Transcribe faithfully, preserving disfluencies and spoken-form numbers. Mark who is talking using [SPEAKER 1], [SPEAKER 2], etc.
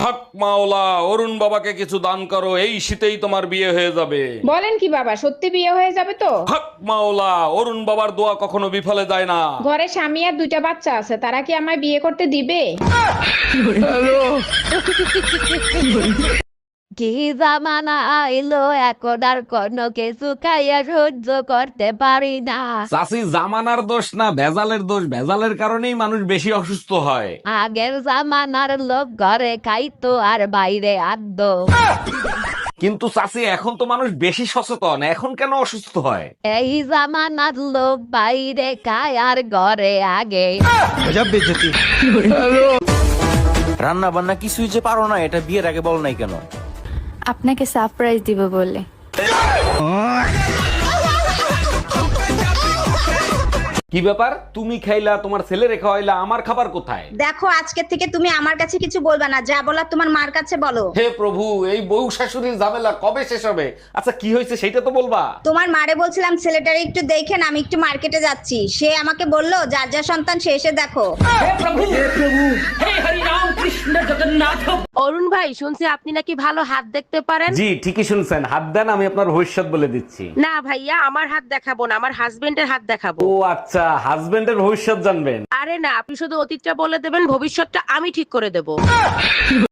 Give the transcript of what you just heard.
[SPEAKER 1] হক মাওলা, অরুণ বাবাকে কিছু দান করো, এই শীতেই তোমার বিয়ে হয়ে যাবে।
[SPEAKER 2] বলেন কি বাবা, সত্যি বিয়ে হয়ে যাবে তো?
[SPEAKER 1] হক মাওলা, অরুণ বাবার দোয়া কখনো বিফলে যায় না।
[SPEAKER 2] ঘরে স্বামী আর দুইটা বাচ্চা আছে, তারা কি আমায় বিয়ে করতে দিবে?
[SPEAKER 3] কি জামানা আইলো, এখন আর কোনো কিছু খাইয়া সহ্য করতে পারি না।
[SPEAKER 1] চাষি জামানার দোষ না, ভেজালের দোষ। ভেজালের কারণেই মানুষ বেশি অসুস্থ হয়।
[SPEAKER 3] আগের জামানার লোক ঘরে খাইতো আর বাইরে আদ্য।
[SPEAKER 1] কিন্তু চাষি এখন তো মানুষ বেশি সচেতন, এখন কেন অসুস্থ হয়?
[SPEAKER 3] এই জামানার লোক বাইরে খায় আর ঘরে আগে।
[SPEAKER 4] রান্না বান্না কিছুই যে পারো না, এটা বিয়ের আগে বল নাই কেন?
[SPEAKER 5] আপনাকে সারপ্রাইজ দিব বলে।
[SPEAKER 1] কি ব্যাপার, তুমি খাইলা, তোমার ছেলে রেখা হইলা, আমার খাবার কোথায়?
[SPEAKER 6] দেখো, আজকে থেকে তুমি আমার কাছে কিছু বলবা না, যা বলার তোমার মার কাছে বলো।
[SPEAKER 1] হে প্রভু, এই বউ শাশুড়ির ঝামেলা কবে শেষ হবে? আচ্ছা, কি হয়েছে সেটা তো বলবা।
[SPEAKER 6] তোমার মারে বলছিলাম ছেলেটারে একটু দেখেন, আমি একটু মার্কেটে যাচ্ছি। সে আমাকে বললো যার যা সন্তান সে এসে দেখো।
[SPEAKER 7] অরুণ ভাই, শুনছি আপনি নাকি ভালো হাত দেখতে পারেন।
[SPEAKER 1] জি ঠিকই শুনছেন, হাত দেন, আমি আপনার ভবিষ্যৎ বলে দিচ্ছি।
[SPEAKER 7] না ভাইয়া, আমার হাত দেখাবো না, আমার হাজবেন্ডের হাত দেখাবো।
[SPEAKER 1] ও আচ্ছা, হাজবেন্ডের ভবিষ্যৎ জানবেন?
[SPEAKER 7] আরে না, আপনি শুধু অতীতটা বলে দেবেন, ভবিষ্যৎটা আমি ঠিক করে দেবো।